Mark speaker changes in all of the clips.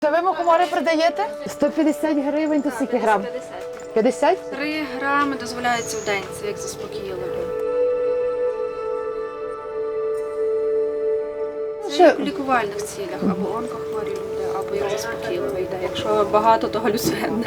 Speaker 1: Це ви мухомори продаєте? 150 гривень, то скільки грам? 50?
Speaker 2: 3 грами дозволяється в день, це як заспокійливо. Це як у лікувальних цілях, або онкохворі люди, або як заспокійливе йде. Якщо багато, то галюциногенне.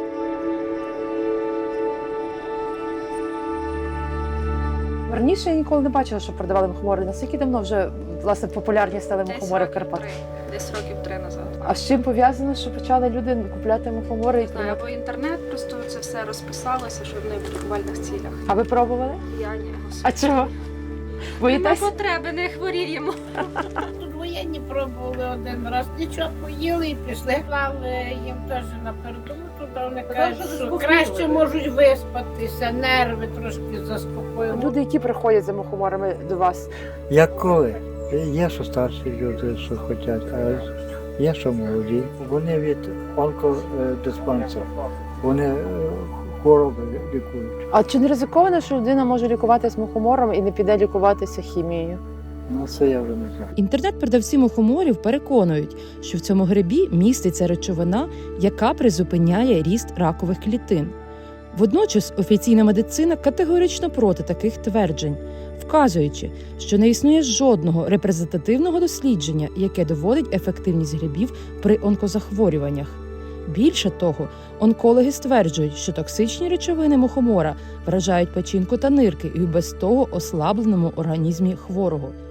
Speaker 1: Раніше я ніколи не бачила, що продавали мухомори. Наскільки давно вже, власне, популярні стали мухомори в Карпатах?
Speaker 2: Десь років 3 назад.
Speaker 1: А з чим пов'язано, що почали люди купляти мухомори?
Speaker 2: Не знаю, або інтернет просто це все розписалося, що вони в лікувальних цілях.
Speaker 1: А ви пробували?
Speaker 2: Я ні.
Speaker 1: А чого?
Speaker 2: Нема
Speaker 1: Боїтесь?
Speaker 2: потреби, не хворіємо.
Speaker 3: Тут воєнні пробували один раз, нічого поїли і пішли. Клали їм теж на передову, туди вони кажуть, що краще можуть виспатися, нерви трошки заспокоїли.
Speaker 1: Люди, які приходять за мухоморами до вас,
Speaker 4: Як коли? Є, що старші люди, що хочуть, а є, що молоді. Вони від онкодиспансеру, вони хвороби лікують.
Speaker 1: а чи не ризиковано, що людина може лікуватися мухомором і не піде лікуватися хімією?
Speaker 4: Ну, це я вже не знаю.
Speaker 5: Інтернет-продавці мухоморів переконують, що в цьому грибі міститься речовина, яка призупиняє ріст ракових клітин. Водночас офіційна медицина категорично проти таких тверджень, вказуючи, що не існує жодного репрезентативного дослідження, яке доводить ефективність грибів при онкозахворюваннях. Більше того, онкологи стверджують, що токсичні речовини мухомора вражають печінку та нирки і в без того ослабленому організмі хворого.